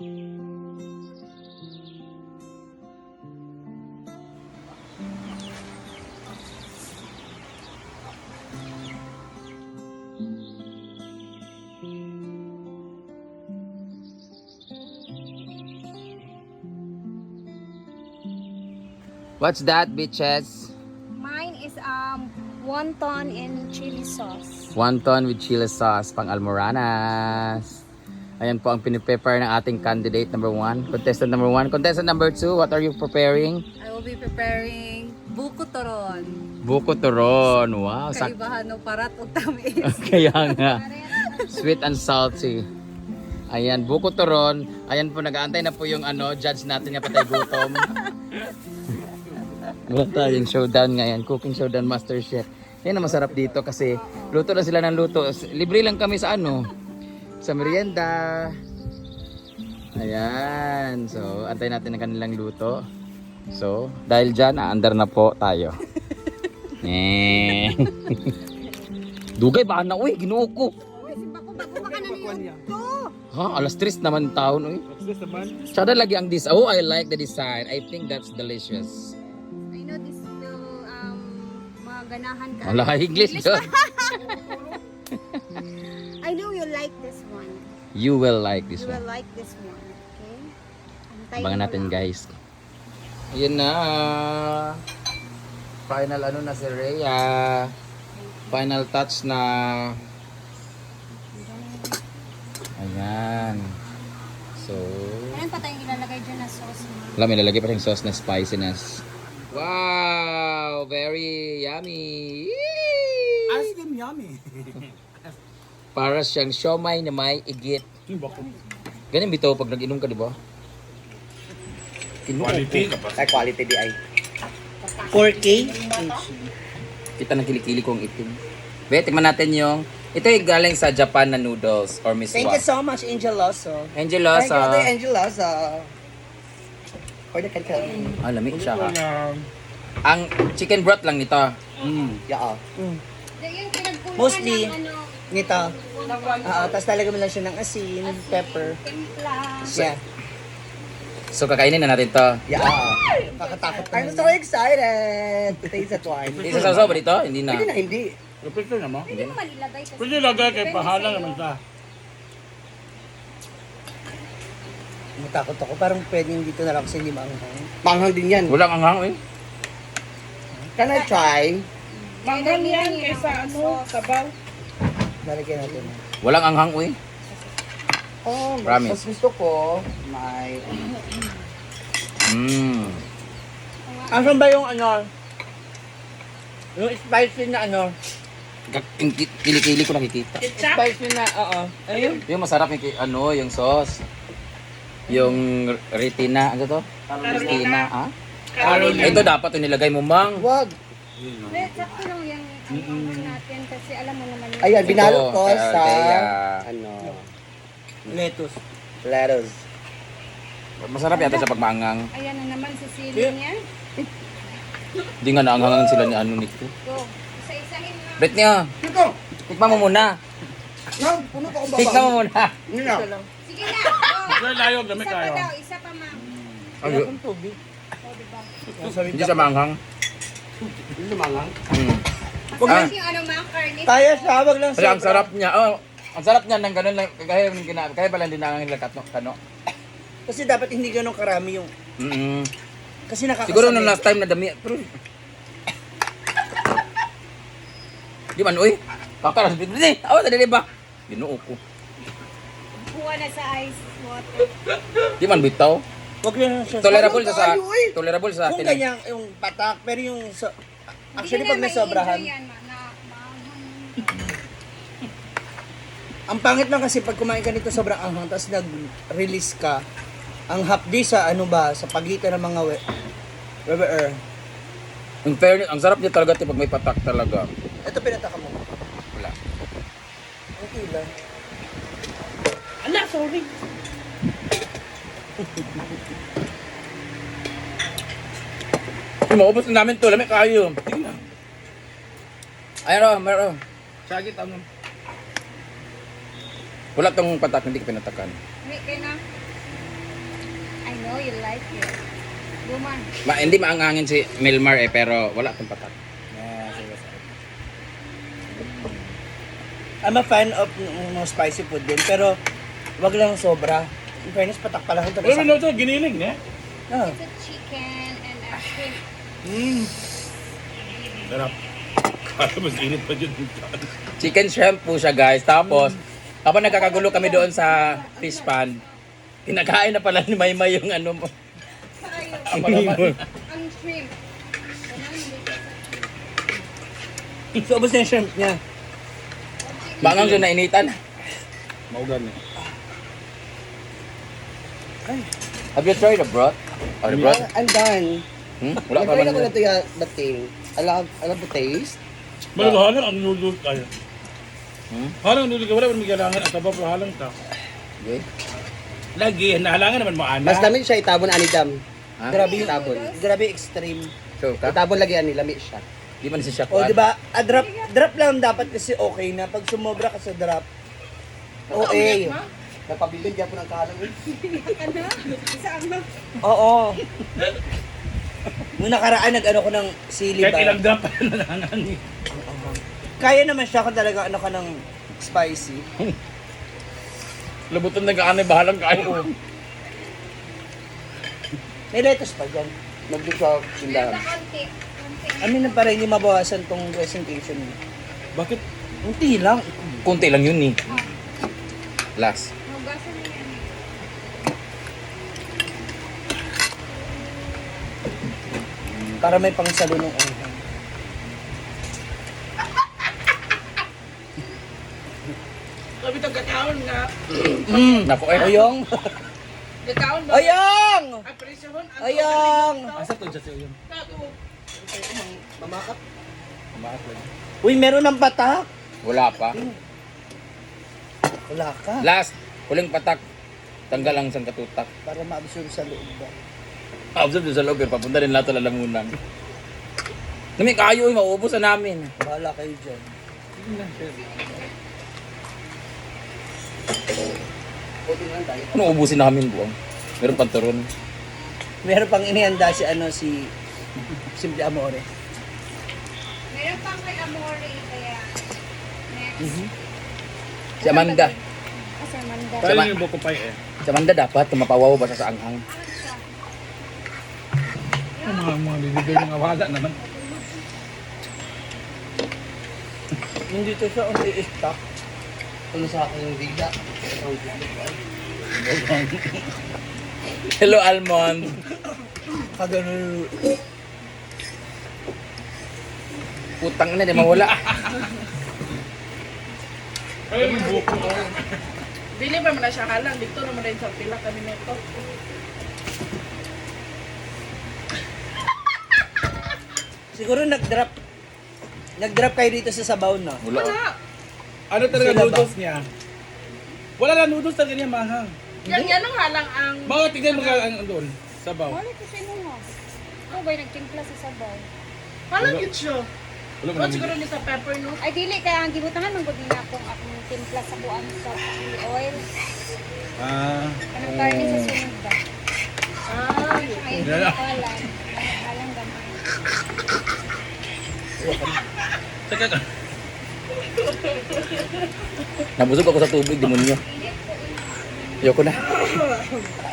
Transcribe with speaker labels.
Speaker 1: What's that, bitches?
Speaker 2: Mine is wonton and chili sauce.
Speaker 1: Wonton with chili sauce, pang almoranas. Ayan po ang piniprepare ng ating candidate number 1. Contestant number 1. Contestant number 2, what are you preparing?
Speaker 3: I will be preparing buko toron.
Speaker 1: Buko turon. Wow.
Speaker 3: Kaibahan ng parat o tamis.
Speaker 1: Kaya nga. Sweet and salty. Ayan, buko turon. Ayan po, nag-aantay na po yung judge natin nga patay gutom. Wala tayong showdown ngayon. Cooking showdown, master chef. Yan ang masarap dito kasi luto lang sila ng luto. Libre lang kami sa sa merienda. Ayan. So, antay natin ang kanilang luto. So, dahil dyan, aandar na po tayo. Dugay ba na? Uy, ginuo ko. Ha, alas 3 naman taon. Uy. Sada lagi ang this. Oh, I like the design. I think that's delicious.
Speaker 2: I know this will maganahan ka.
Speaker 1: Wala, English doon.
Speaker 2: I know you like this one.
Speaker 1: You will like this
Speaker 2: You will
Speaker 1: one.
Speaker 2: like this one. Okay? Antayin
Speaker 1: Abangan
Speaker 2: mo
Speaker 1: natin,
Speaker 2: lang.
Speaker 1: guys. Ayun na. Final na si Rhea. Final touch na. Ayan. So,
Speaker 2: Meron pa tayong ilalagay dyan na sauce mo.
Speaker 1: wala, may lalagay pa rin sauce na spiciness. Wow! Very yummy!
Speaker 4: Ice cream yummy.
Speaker 1: Para siyang siomay na may igit. Ganyan bitaw pag nag-inom ka, di ba?
Speaker 4: Quality.
Speaker 5: Ay, quality di ay.
Speaker 4: 4K?
Speaker 1: Kita ng kilikili ko ang itim. Be, tikman natin yung... Ito ay galing sa Japan na noodles or miswa.
Speaker 5: Thank you so much, Angel Loso.
Speaker 1: Angel
Speaker 5: Thank you,
Speaker 1: Losa.
Speaker 5: Angel Loso. Order ka ka.
Speaker 1: Ah, lami siya ka. Ang chicken broth lang nito.
Speaker 5: Yeah.
Speaker 2: Yung pinagkuluan
Speaker 5: Mostly,
Speaker 2: ng
Speaker 5: Nito. Tapos talaga mo lang siya ng asin, pepper.
Speaker 2: timpla.
Speaker 5: Yeah.
Speaker 1: So kakainin na natin to.
Speaker 5: Yeah. Kakatakot. I'm so excited to taste that one.
Speaker 1: Isasaw ba dito? Hindi na.
Speaker 5: Hindi na, hindi.
Speaker 4: Pwede naman.
Speaker 2: Pwede mo malilagay kasi.
Speaker 4: Pwede lagay kay
Speaker 2: Depende
Speaker 4: pahala
Speaker 2: sa'yo.
Speaker 4: naman sa.
Speaker 5: Matakot ako. Parang pwedeng dito na lang kasi hindi maanghang. Maanghang din yan.
Speaker 1: Walang anghang eh.
Speaker 5: Can I try?
Speaker 2: Manggang yan kaysa
Speaker 3: sabaw.
Speaker 5: Lalagyan natin.
Speaker 1: Walang anghang eh.
Speaker 5: Oh,
Speaker 1: Promise.
Speaker 5: mas gusto ko may... Asan ba yung yung spicy na
Speaker 1: Kilikili ko nakikita.
Speaker 5: spicy na, ayun.
Speaker 1: Yung masarap yung yung sauce. Yung retina, ano to? Retina, ha? Ito dapat yung nilagay mo, mang.
Speaker 5: Wag.
Speaker 2: Sakto lang yung natin kasi alam mo naman yun.
Speaker 5: Ayan, binalot ko
Speaker 1: Ito,
Speaker 5: sa
Speaker 1: Aldea.
Speaker 5: lettuce. Lettuce.
Speaker 1: Masarap yata sa pagmaangang.
Speaker 2: Ayan na naman sa sili niya.
Speaker 1: Hindi nga naanghangan sila ni nito.
Speaker 2: Go. Isa-isahin mo.
Speaker 1: Bet niya.
Speaker 5: Ito.
Speaker 1: Tikman mo muna.
Speaker 5: Puno ko ba?
Speaker 1: Tikman mo muna.
Speaker 5: Yun na.
Speaker 2: Sige na. Go.
Speaker 4: Kaya layo, gamit
Speaker 2: Isa pa
Speaker 4: tayo.
Speaker 2: daw. Isa pa, ma'am.
Speaker 1: Ay,
Speaker 5: Ang tubig.
Speaker 2: O, diba?
Speaker 1: hindi siya maanghang.
Speaker 5: Hindi lumangang.
Speaker 1: Ah,
Speaker 2: Kasi yung ma'am, garnish.
Speaker 5: Kaya siya, wag lang
Speaker 1: kasi ang sarap niya. Oh, ang sarap niya ng ganun lang. Kaya pala hindi na nila kano.
Speaker 5: Kasi dapat hindi ganun karami yung... Kasi nakakasabay.
Speaker 1: Siguro nung last time na dami. Pero... Di man, uy. Kakaras. Hindi. Awa, dali ba? Binuo ko.
Speaker 2: Buwa na sa ice water.
Speaker 1: Di man bitaw.
Speaker 5: Wag lang siya.
Speaker 1: Tolerable
Speaker 5: Ano
Speaker 1: sa
Speaker 5: tayo, uy?
Speaker 1: tolerable sa
Speaker 5: Kung
Speaker 1: atin.
Speaker 5: ganyan, yung patak, pero yung... actually, pag may sobrahan. Ang pangit lang kasi pag kumain ka nito sobrang anghang, tapos nag-release ka, ang hapdi sa sa pagitan ng mga weber.
Speaker 1: Ang fairness, ang sarap niya talaga pag may patak talaga.
Speaker 5: Ito pinataka mo.
Speaker 1: Wala.
Speaker 5: Okay lang.
Speaker 3: Ala, sorry.
Speaker 1: Maubos na namin to, lamig kayo. Ayun, meron.
Speaker 4: Sagit ano.
Speaker 1: Wala tong patak, hindi ka pinatakan.
Speaker 2: Wait, kaya na. I know you like it. Guman.
Speaker 1: Hindi maangangin si Milmar eh, pero wala itong patak.
Speaker 5: I'm a fan of spicy food din, pero wag lang sobra. In fairness, patak pala ito.
Speaker 4: Pero no, ito, giniling, eh.
Speaker 5: Ah.
Speaker 2: It's a chicken and a shrimp.
Speaker 4: Sarap. Kaya mas init pa dyan.
Speaker 1: Chicken shrimp po siya guys. Tapos, kapag nagkakagulo kami doon sa fish pan, kinakain na pala ni Maymay yung ano mo.
Speaker 2: Ang shrimp.
Speaker 5: So, ubos na yung shrimp niya.
Speaker 1: Bangang siya nainitan.
Speaker 4: Maugan eh.
Speaker 1: Have you tried the broth? Or the broth?
Speaker 5: I'm done.
Speaker 1: Wala pa
Speaker 5: Nag-try na ko
Speaker 1: man.
Speaker 5: na ito the thing. I love the taste.
Speaker 4: Halang ang noodles tayo.
Speaker 1: Hmm?
Speaker 4: Halang ang noodles ka, wala pa may kailangan at abab halang ka.
Speaker 1: Okay.
Speaker 4: Lagi, nahalangan naman mo ana.
Speaker 5: Mas namin siya itabon anidam.
Speaker 1: Ha?
Speaker 5: Grabe yung itabon. Grabe extreme.
Speaker 1: Sure ka?
Speaker 5: Itabon lagi ani lami siya.
Speaker 1: Di man siya
Speaker 5: O
Speaker 1: kuhan.
Speaker 5: di ba? Drop lang dapat kasi okay na pag sumobra ka sa drop. Okay. Napabilin niya po ng kahalang. Oo. Nung nakaraan nag-ano ko ng sili
Speaker 4: Kahit
Speaker 5: ba?
Speaker 4: ilang drop pa nalangan eh.
Speaker 5: Kaya naman siya kung talaga ano ka ng spicy.
Speaker 1: Lubutan na kaanay, bahalang kayo.
Speaker 5: May lettuce pa dyan. Nagdun sa sindahan.
Speaker 2: Konti.
Speaker 5: Amin na para hindi mabawasan tong presentation mo.
Speaker 4: Bakit?
Speaker 5: Unti lang.
Speaker 1: Kunti lang yun eh. Last.
Speaker 2: Hugasan mo yan.
Speaker 5: Para may pangsalo ng uhan.
Speaker 3: Sabi itong gataon nga.
Speaker 1: Naku eh.
Speaker 5: Oyong!
Speaker 3: Gataon ba?
Speaker 5: Oyong!
Speaker 3: Ang presyohon.
Speaker 5: Oyong!
Speaker 4: Asa to dyan yun?
Speaker 5: Mamakap.
Speaker 4: Maat lang.
Speaker 5: Uy, meron ng patak.
Speaker 1: Wala pa.
Speaker 5: Wala ka.
Speaker 1: Last. Huling patak. Tanggal ang isang katutak.
Speaker 5: Para ma-absorb sa loob ba?
Speaker 1: Observe doon sa loob eh. Papunta rin lahat sa lalamunan. Nami kayo eh. Mauubos na namin.
Speaker 5: Bahala kayo dyan. Buti lang tayo.
Speaker 1: Ano ubusin namin buong? Meron pang turon.
Speaker 5: Meron pang inihanda si si Simple Amore.
Speaker 2: Meron pang kay Amore, kaya next.
Speaker 1: Si Amanda.
Speaker 2: Kasi Amanda.
Speaker 4: Tayo yung buko pie eh.
Speaker 1: Si Amanda dapat tumapawaw ba siya sa anghang?
Speaker 4: Ang mga bibigay yung awala naman.
Speaker 5: Hindi to siya ang i-stock. Ano sa akin yung bigla?
Speaker 1: Hello, Almond.
Speaker 5: Kagano.
Speaker 1: Putang na, di mawala.
Speaker 4: Kaya yung buko.
Speaker 3: Dili ba mo na siya halang? Dito naman rin sa pila kami nito.
Speaker 5: Siguro nag-drop kayo dito sa sabaw na.
Speaker 1: Wala.
Speaker 4: Ano talaga
Speaker 5: Sila ba?
Speaker 4: noodles niya? Wala lang noodles talaga niya mahang.
Speaker 3: Yan ang halang ang...
Speaker 4: Mga tignan mo ka ang doon. Sabaw.
Speaker 2: Wala ko siya mo. Ako ba'y nagtimpla sa sabaw?
Speaker 3: Halang yun siya.
Speaker 4: Wala mo
Speaker 3: O
Speaker 4: namin.
Speaker 3: siguro ni sa pepper no?
Speaker 2: Ay, dili. Kaya ang gibutangan ng gudi na akong timpla sa buwan sa chili oil. Anong karne sa sunod ba?
Speaker 3: Ah,
Speaker 2: Ay, hindi
Speaker 4: Yeah.
Speaker 2: ko alam. Alam gamay.
Speaker 4: Teka ka.
Speaker 1: Nabusog ako sa tubig, demonyo. Ayoko na.